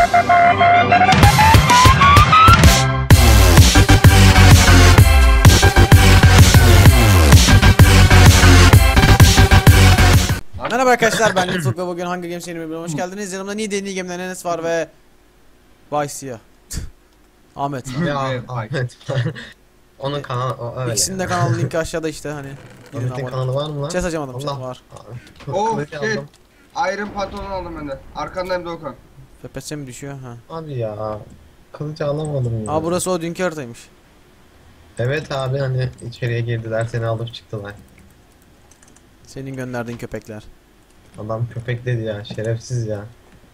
Merhaba arkadaşlar, ben Lütfuk ve bugün Hunger Games yeni bölümüne hoş geldiniz. Yanımda Niğde'nin Game'den Enes var ve Vice'ya Ahmet. Ya Ahmet. Onun kanalı öyle. İkisinin de kanalı linki aşağıda işte hani. Ahmet'in kanalı var mı lan? Chess açamadım. Allah. Var. Oh Kılıç shit. aldım. Iron pantolon aldım ben de. Arkandayım Doğukan. FPS mi düşüyor? Ha. Abi ya. Kılıç alamadım ya. Aa, burası o dünkü haritaymış. Evet abi, hani içeriye girdiler, seni alıp çıktılar. Senin gönderdiğin köpekler. Adam köpek dedi ya, şerefsiz ya.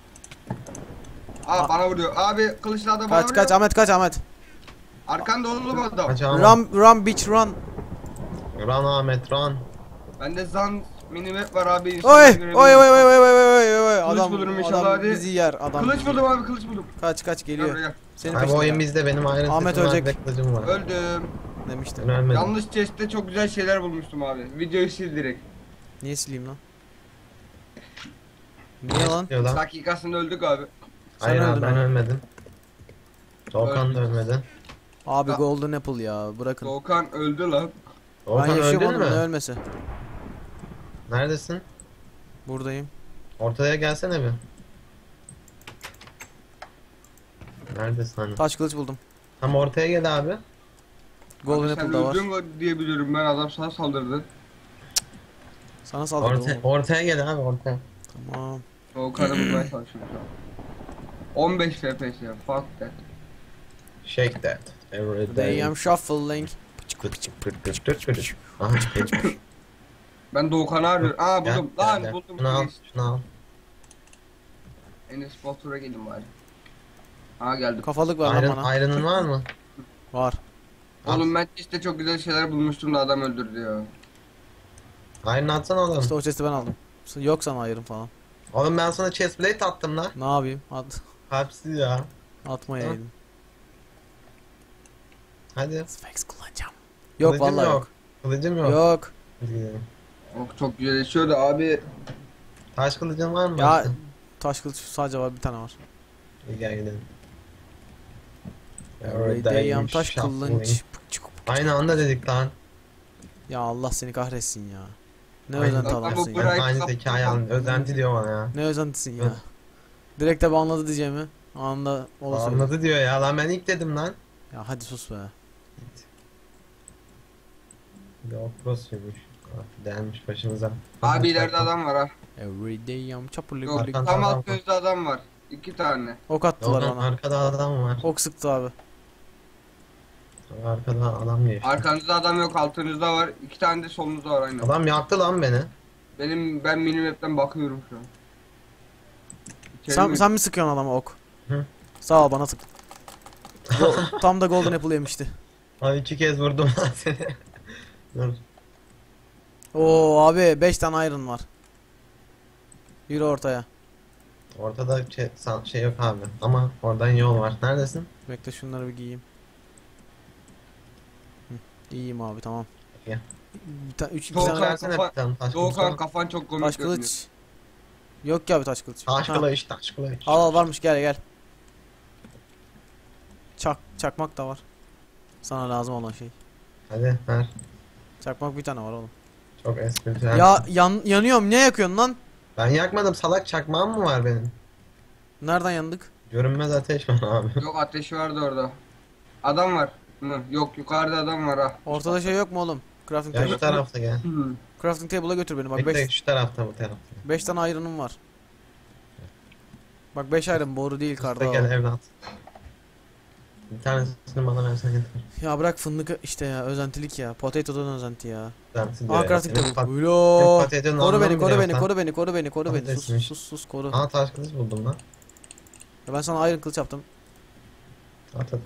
Bana vuruyor. Abi kılıçla adam bana Kaç vuruyor. kaç Ahmet, kaç Ahmet. Arkanda oğlum adam. Kaç ama. Run bitch run. Run Ahmet run. Bende zan minimap var abi. Oy Instagram'da oy oy oy görebilirim. oy oy oy. Kılıç Adam, bulurum inşallah, adam hadi. bizi yer adam. Kılıç buldum abi, kılıç buldum. Kaç Gel geliyor. buraya. Senin Abi bu oyun peşinde bizde, benim Iron Ahmet Set'im var ölecek. ve kılıcım var. Öldüm. demiştim. Ben ölmedim. Yanlış chest'te çok güzel şeyler bulmuştum abi. Videoyu sil direkt. Niye sileyim lan? Niye lan? Diyor lan. Dakikasında öldük abi. Hayır Sen abi, öldün ben abi. ölmedim. Doğukan da Öldüm. ölmedi. Abi Ya. Golden Apple ya, bırakın. Doğukan öldü lan. Ben Doğukan yaşıyorum, öldün onun ne mü? ölmesi. Neredesin? Buradayım. Ortaya gelsene bir. Neredesin hani? Taş kılıç buldum. Tam ortaya gel abi. Golden Abi sen Apple da var. öldün diye biliyorum ben, adam sana saldırdı. Sana saldırdı oğlum. Ortaya gel abi, ortaya. Tamam. Doğukan'ı bulmaya çalışıyorum şu an. 15 FPS ya, fuck that. Shake that. Every They day. am shuffling. Aha, Ben Doğukan'ı arıyorum. Aa gel, buldum. gel, Lan gel. buldum. Şunu al, şunu al. Enes Batur'a gelin bari. Aa geldim. Kafalık ver lan bana. Iron'ın var mı? Var. Oğlum ben işte çok güzel şeyler bulmuştum da adam öldürdü ya. Iron atsana oğlum. İşte o chest'i ben aldım. Yok sana ayrım falan. Oğlum ben sana chestplate attım lan. Ne yapayım? Kalpsiz ya. Atmayaydım. Hadi. Sphex kullanacağım. Yok Kılıcım vallahi yok. Kılıcım yok. Yok. Hadi gidelim. Oh, çok güzel yaşıyordu abi. Taş kılıcın var mı? Ya başka? taş kılıç sadece var, bir tane var. İyi, gel gidelim. Every day am taş kılıç. Aynı anda dedik lan. Ya Allah seni kahretsin ya. Ne Aynı- özenti Ama adamsın bu ya. bırak- Aynı zekayı alın. Özenti diyor bana ya. Ne özentisin ya. Evet. Direkt de anladı diyeceğimi. Anında olsun. Anladı diyor ya lan, ben ilk dedim lan. Ya hadi sus be. Yok prosuymuş. Delmiş başımıza. Abi ileride adam var ha. Every day am çapurlu Yok, gülü. Arkan- tam adam alt var. gözde adam var. 2 tane. Ok attılar Oradan bana. arkada adam var. Ok sıktı abi. Arkada adam geçti. Arkanızda adam yok, altınızda var. 2 tane de solunuzda var aynen. Adam yaktı lan beni. Ben minimap'ten bakıyorum şu an. İçeri mi? Sen mi sıkıyorsun adama ok? Hı. Sağ ol, bana sık. Tam da Golden Apple yemişti. Abi 2 kez vurdum lan seni. Dur. Oo abi 5 tane iron var. Yürü ortaya. Ortada şey yok abi. Ama oradan yol var. Neredesin? Bekle şunları bir giyeyim. Hı, İyiyim abi, tamam. Gel. 2 Doğukan tane Versene kafa- bir tane taş Doğukan kılıç. kafan çok komik taş görünüyor. kılıç. Yok ki abi taş kılıç. Taş Ha, kılıç, taş kılıç. al varmış, gel gel. Çakmak da var. Sana lazım olan şey. Hadi ver. Çakmak bir tane var oğlum. Çok espritüel. Ya yanıyorum, niye yakıyorsun lan? Ben yakmadım, salak, çakmağım mı var benim? Nereden yandık? Görünmez ateş var abi. Yok, ateşi vardı orada. Adam var mı? Yok, yukarıda adam var ha. Ortada şey yok mu oğlum? Crafting Ya table. şu tarafta gel. Hı. Crafting table'a götür beni, bak Bekle, 5 şu tarafta, bu tarafta. 5 tane iron'um var. Bak 5 iron, boru değil Usta karda. gel evlat. Bir tanesini bana versen yeter. Ya bırak fındık işte ya, özentilik ya. Potato'dan özenti ya. Dersi diyor Aa ya. crafting Senin table. senin Ulo. patatenin Koru anlamı beni, koru bile beni, yok lan. koru beni, koru beni, koru beni. Patatesmiş. Sus koru. Aa, taş kılıç buldum lan. Ya ben sana iron kılıç yaptım. At.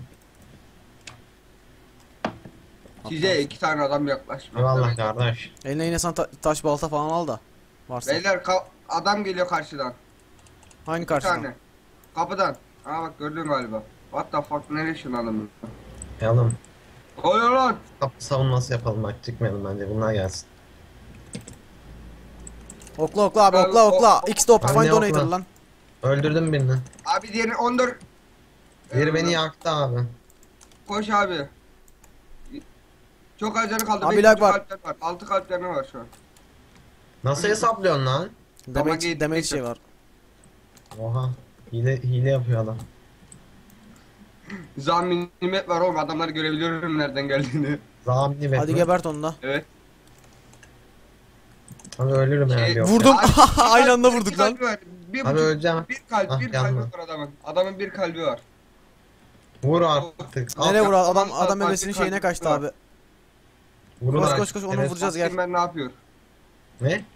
Size 2 tane adam yaklaşmak. Eyvallah kardeş. Eline yine sana taş balta falan al da. Varsa. Beyler adam geliyor karşıdan. Hangi 2 karşıdan? tane. Kapıdan. Aa bak, gördün galiba. What the fuck, nereye şunu adamı? Yalım. Oluyor lan. Kapı savunması yapalım, bak çıkmayalım bence, bunlar gelsin. Okla abi, Abi, okla. X-Top Abi find ne donator okla? lan. Öldürdüm birini. Abi diğeri 14. Biri beni yaktı abi. Koş abi. Çok az canı kaldı. Abi Beş lag buçuk var. kalpler var. 6 kalplerine var şu an. Nasıl hesaplıyorsun lan? Damage, damage geçti. şey var. Oha. Hile yapıyor adam. Zam minimet var oğlum. Adamları görebiliyorum nereden geldiğini. Zamini bet Hadi mi? gebert onu da. Evet. Abi ölürüm Şey, herhalde yok. Vurdum. Abi, Aynı anda bir vurduk lan. kalbi var. Bir Abi buçuk. öleceğim. Bir kalp. Ah, Bir kalbi yanma. var adamın. Adamın bir kalbi var. Vur artık. Nereye Al. vur adam Tamam, adam tamam, bebesinin bir şeyine kalp kaçtı var. abi. Vurun Koş, artık. koş, koş, onu Şerefsiz. vuracağız. Gel. Bakayım ben ne yapıyor. Ne?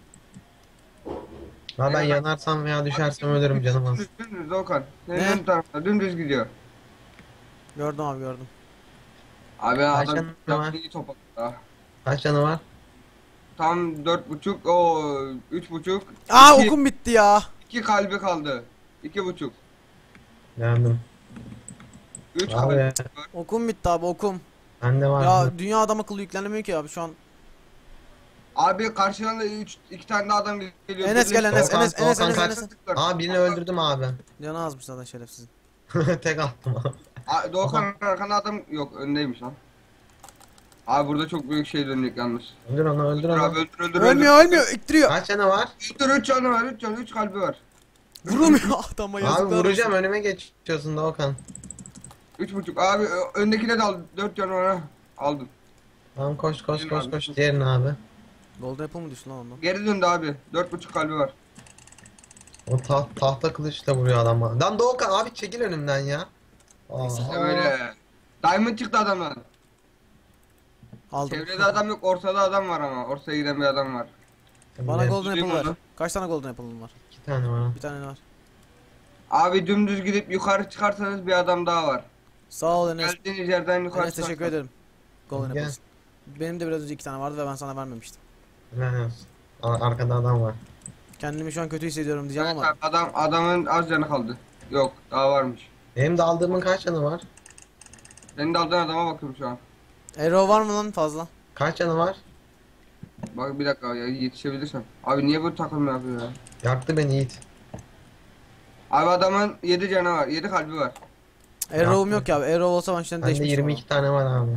Ha ben Evet. yanarsam veya düşersem ölürüm canım az. Dümdüz Okan. Senin Ne? ön tarafta dümdüz gidiyor. Gördüm abi gördüm. Abi Kaç adam canı var? iyi topladı. Ah. Kaç canı var? Tam 4,5 o 3,5. Aa okum bitti ya. 2 kalbi kaldı. 2,5. Geldim. 3 Abi kalbi. Okum bitti abi okum. bende var. Ya dünya adam akıllı yüklenemiyor ki abi şu an. Abi karşıdan da 2 tane daha adam geliyor. Enes gel Enes Volkan, Enes Enes Volkan Enes kaç- Enes. Aa birini öldürdüm abi. Canı azmış zaten şerefsizin. Tek attım abi. Doğukan arkanda adam yok öndeymiş lan. Abi burada çok büyük şey dönecek yalnız. Öldür onu öldür Dur onu. abi öldür. Ölmüyor ölmüyor ittiriyor. Kaç canı var? Öldür 3 canı var 3 canı 3 kalbi var. Vuramıyor adama Abi yazıklar vuracağım olsun. önüme geçiyorsun da Okan. 3,5 abi öndekine de al 4 canı var ha. Aldım. Tamam koş koş Benim koş abi. koş diğerini abi. Golden Apple mı düştü lan ondan? Geri döndü abi 4,5 kalbi var. O tahta kılıçla vuruyor adam bana. Lan Doğukan abi çekil önümden ya. Aa. İşte böyle. Diamond çıktı adamdan. Aldım. Çevrede adam yok ortada adam var ama. Ortaya giden bir adam var. Bana Evet, Golden Apple Duyayım ver. onu. Kaç tane Golden Apple'ın var? 2 tane var. Bir tane var. Abi dümdüz gidip yukarı çıkarsanız bir adam daha var. Sağ ol Enes. Geldiğiniz yerden yukarı Enes teşekkür çıkarsanız. ederim. Golden Gel. Apples. Benim de biraz önce 2 tane vardı ve ben sana vermemiştim. Helal olsun. Arkada adam var. Kendimi şu an kötü hissediyorum diyeceğim Evet ama. abi, adamın az canı kaldı. Yok daha varmış. Benim de aldığımın kaç canı var? Senin de aldığın adama bakıyorum şu an. Arrow var mı lan fazla? Kaç canı var? Bak bir dakika ya yetişebilirsem. Abi niye bu takım yapıyor ya? Yaktı beni Yiğit. Abi adamın 7 canı var. 7 kalbi var. Arrow'um yok ya abi. Arrow olsa ben şimdi Bende değişmiştim. 22 tane var abi.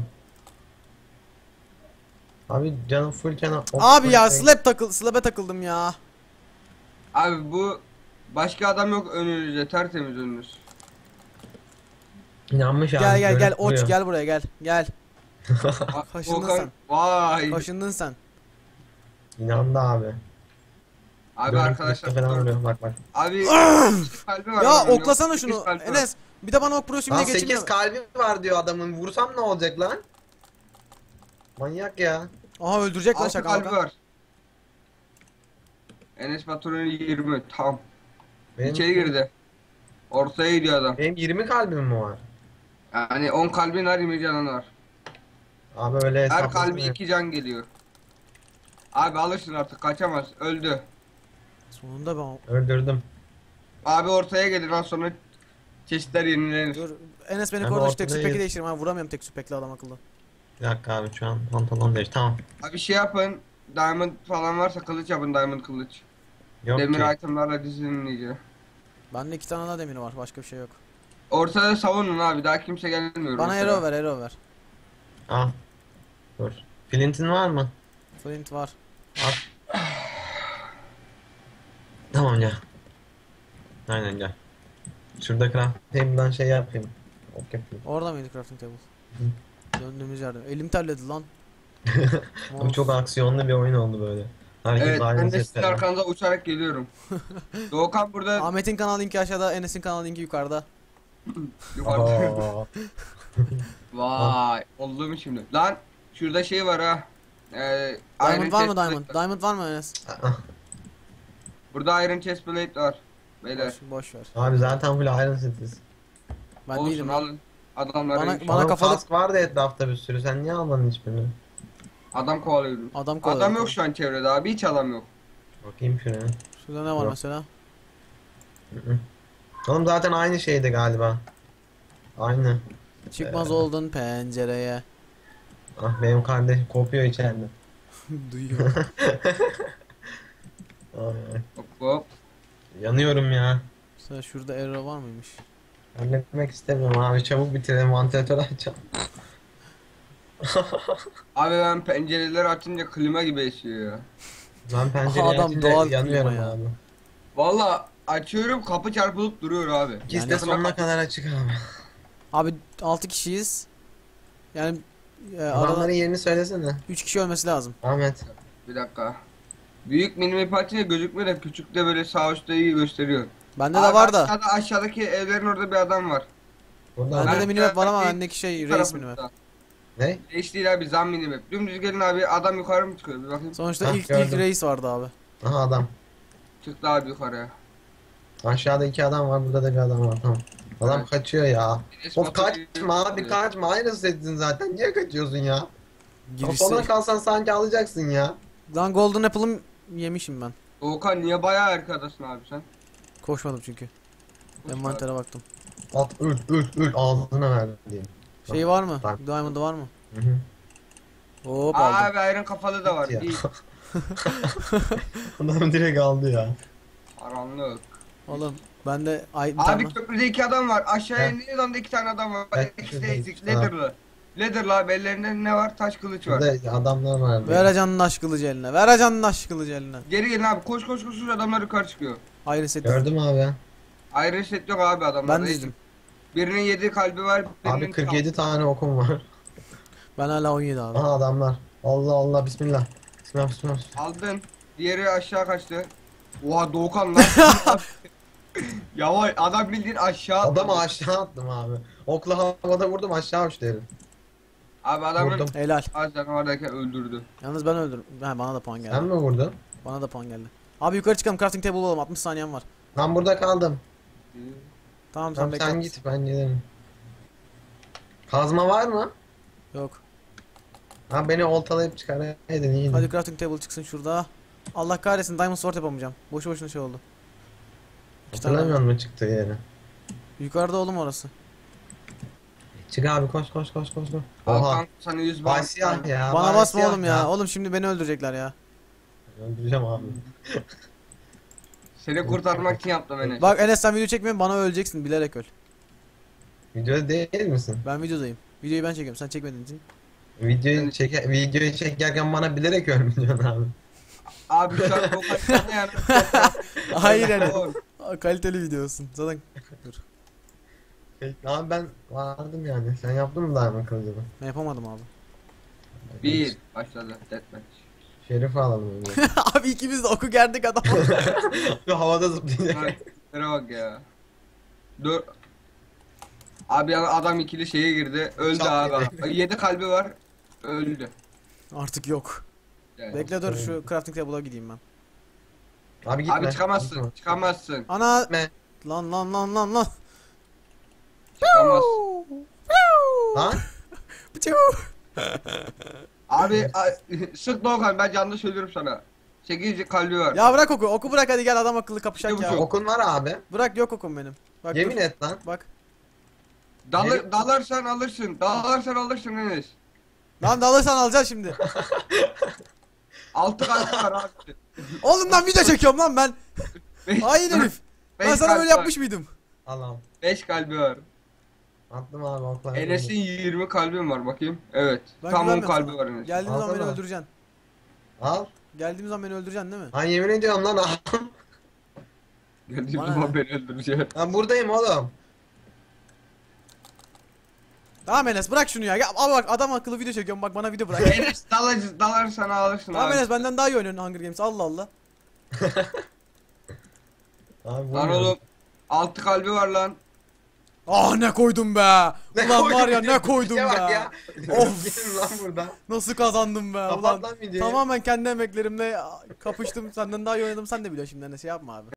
Abi canım full canı. Abi ya slab'e takıldım ya. Abi bu başka adam yok önünüzde tertemiz önünüz. İnanmış abi. Gel gel gel görüp oç duruyor. gel buraya gel. Gel. Kaşındın Volkan- sen. Vay. Kaşındın sen. İnandı abi. Abi Görüp arkadaşlar. kılıçla falan vuruyor. Bak bak. Abi kalbi var. Ya adamın, oklasana yok, şunu sekiz kalbi var. Enes. Bir de bana ok pro simle Lan geçeyim 8 de. kalbi var diyor adamın. Vursam ne olacak lan? Manyak ya. Aha öldürecek lan 6 şaka kalbi maka. var. Enes Batur'un 20 tam. Benim, İçeri girdi. Ortaya gidiyor adam. benim 20 kalbim mi var? Yani 10 kalbin var 20 canın var. Abi öyle Her hesaplasana. kalbi 2 can geliyor. Abi alışın artık kaçamaz öldü. Sonunda ben. Öldürdüm. Abi ortaya gelir az sonra çeşitler yenilenir. Dur. Enes beni Abi korudu şu tek ortadayız. süpeki değiştireyim ha vuramıyorum tek süpekli adam akıllı. Bir dakika abi şu an pantolon değiş. Tamam. Abi şey yapın. Diamond falan varsa kılıç yapın diamond kılıç. Yok Demir ki. itemlarla dizinin iyice. Bende 2 tane daha demiri var başka bir şey yok. Ortada savunun abi daha kimse gelmiyor. Bana ortada. arrow ver arrow ver. Al. Dur. Flint'in var mı? Flint var. Al. Tamam gel. Aynen gel. Şurada craft table'dan şey yapayım. Ok yapayım. Orada mıydı crafting table? Döndüğümüz yerde. Elim terledi lan. Abi çok aksiyonlu bir oyun oldu böyle. Herkes Evet aynı ben de sizin sesle. arkanıza uçarak geliyorum. Doğukan burada Ahmet'in kanal linki aşağıda, Enes'in kanal linki yukarıda. yukarıda. Aa, Vay oldu mu şimdi? Lan şurada şey var ha. Diamond var mı chest diamond? plate var. Diamond var mı Enes? Burada iron chest plate var. Beyler. Boş ver. Abi zaten full Iron Cities. Ben Olsun değilim. alın. Adamlar Bana- ölmüş. bana Oğlum kafalık- kask vardı etrafta bir sürü. Sen niye almadın hiçbirini? Adam kovalıyordu. Adam kovalıyor. Adam yok şu an çevrede abi hiç adam yok. Bakayım şuraya. Şurada ne var Yok. mesela? Hı hı. Oğlum zaten aynı şeydi galiba. Aynı. Çıkmaz oldun pencereye. Ah benim kardeşim kopuyor içeride. Duyuyor. Ay, ay. Hop hop. Yanıyorum ya. Sen şurada arrow var mıymış? Halletmek istemiyorum abi. Çabuk bitirelim. Vantilatörü açalım. Abi ben pencereleri açınca klima gibi esiyor ya. Ben pencereyi Adam açınca doğal yanıyorum klima ya. abi. Valla açıyorum kapı çarpılıp duruyor abi. İkisi de Yani- sonuna kadar açık abi. Abi 6 kişiyiz. Yani arada Adamların yerini söylesene. 3 kişi ölmesi lazım. Ahmet. Bir dakika. Büyük minimap açınca gözükmüyor da küçük de böyle sağ üstte iyi gösteriyor. Bende Abi de var da. aşağıdaki evlerin orada bir adam var. Burada Bende de Ben- minimap var ama ben- bendeki şey Bu reis tarafında. minimap. ne? Reis değil abi zam minimap. Dümdüz gelin abi adam yukarı mı çıkıyor bir bakayım. Sonuçta Hah, ilk gördüm. reis vardı abi. Aha adam. Çıktı abi yukarıya. Aşağıda 2 adam var. Burada da bir adam var. Tamam. Adam Evet. kaçıyor ya. Enes Of Batur'u- kaçma abi kaçma. Aynı settin zaten. Niye kaçıyorsun ya? Girişte. Kafana kalsan sanki alacaksın ya. Lan Golden Apple'ım yemişim ben. Doğukan niye bayağı arkadasın abi sen? Koşmadım çünkü. Envantere baktım. At öl ağzına ver diyeyim. Şey var mı? Bak. Diamond'ı var mı? Hı hı. Hop aldım. Abi ayrın kafalı da var. Ya. İyi. Adam direkt aldı ya. Karanlık. Oğlum bende ay bir Abi tane. köprüde 2 adam var. Aşağıya He. indiğiniz anda 2 tane adam var. Evet, İkisi şurada de iki ezik. tane. Leather'lı. Leather'lı abi ellerinde ne var? Taş kılıç var. Burada adamlar var. Ver acanın aşk kılıcı eline. Ver acanın aşk kılıcı eline. Geri gelin abi koş koş koş adamlar yukarı çıkıyor. Ayrı set. Gördüm abi. Ayrı set yok abi adamlar. Ben dizdim. Birinin 7 kalbi var. Abi Birinin 47 tane okum var. Ben hala 17 abi. Aha adamlar. Allah Allah bismillah. Bismillah bismillah. aldın. Diğeri aşağı kaçtı. Oha Doğukan lan. Yavaş adam bildiğin aşağı. Adamı aşağı attım abi. Okla havada vurdum aşağı uçtu herif. Abi adamın Vurdum. Helal. az canavardayken öldürdü. Yalnız ben öldürdüm. Ha, bana da puan geldi. Sen mi vurdun? Bana da puan geldi. Abi yukarı çıkalım, crafting table bulalım. 60 saniyem var. Ben burada kaldım. Tamam sen Tamam bekle. sen git ben giderim. Kazma var mı? Yok. Ha beni oltalayıp çıkaraydın iyiydi. Hadi crafting table çıksın şurada. Allah kahretsin, diamond sword yapamayacağım. Boşu boşuna şey oldu. İki tane Hatırlamıyor musun çıktığı yeri? Yukarıda oğlum orası. Çık abi koş koş koş koş. koş. Al Oha. kanka sana 100 Vay bana. siyah ya. Bana vay basma siyah oğlum ya. Oğlum şimdi beni öldürecekler ya. Öldüreceğim abi. Seni kurtarmak için yaptım Enes. Bak Enes, sen video çekmiyorsun, bana öleceksin, bilerek öl. Videoda değil misin? Ben videodayım. Videoyu ben çekiyorum, sen çekmediğin için. Videoyu çekerken bana bilerek ölmüyorsun abi. Abi şu an Doğukan sana yani. Hayır Enes. Kaliteli video olsun. Zaten dur. Abi ben vardım yani. Sen yaptın mı Diamond kılıcını? Ben yapamadım abi. Bir başladı deathmatch. Şerif alalım önce. Abi ikimiz de oku gerdik adam. Şu havada zıplayacak. Şuna bak ya. Dur. Abi adam ikili şeye girdi. Öldü Çok abi. 7 kalbi var. Öldü. Artık yok. Yani. Bekle dur, şu crafting table'a gideyim ben. Abi gitme. Abi çıkamazsın. Gitme. Çıkamazsın. Ana! Gitme. Lan. Çıkamazsın. Lan. Piu! Abi sık Doğukan ben canlı söylüyorum sana. 8 kalbi var. Ya bırak oku. Oku bırak, hadi gel adam akıllı kapışak İki ya. buçuk. Okun var abi. Bırak, yok okum benim. Bak Yemin dur. et lan. Bak. Dalarsan alırsın. Dalarsan alırsın Enes. Lan dalırsan alacağız şimdi. 6 kalbi var abi. Oğlum lan video çekiyorum lan ben. Hayır herif. Ben sana böyle yapmış mıydım? Allah'ım. 5 kalbi var. Attım abi oklar. Enes'in 20 kalbim var bakayım. Evet. Ben Tam 10 güvenmiyorum kalbi sana. var Enes. Geldiğimiz zaman beni Alsana. öldüreceksin. Al. Geldiğimiz zaman beni öldüreceksin değil mi? Lan yemin ediyorum lan al. Geldiğim Bana zaman ne? beni öldürecek. Ben buradayım oğlum. Tamam Enes, bırak şunu ya. Ya abi bak, adam akıllı video çekiyorum, bak bana video bırak. Enes dalarsan alırsın Tamam abi. Enes, benden daha iyi oynuyorsun Hunger Games, Allah Allah. Abi Lan oğlum 6 kalbi var lan. Ah ne koydum be. Ne Ulan koydun var ya, bir ne de? koydum Bir be. şey bak ya. Of. Gelin lan buradan. Nasıl kazandım be. Kapat Ulan lan videoyu. tamamen kendi emeklerimle kapıştım. Senden daha iyi oynadım, sen de biliyorsun şimdi Enes, yapma abi.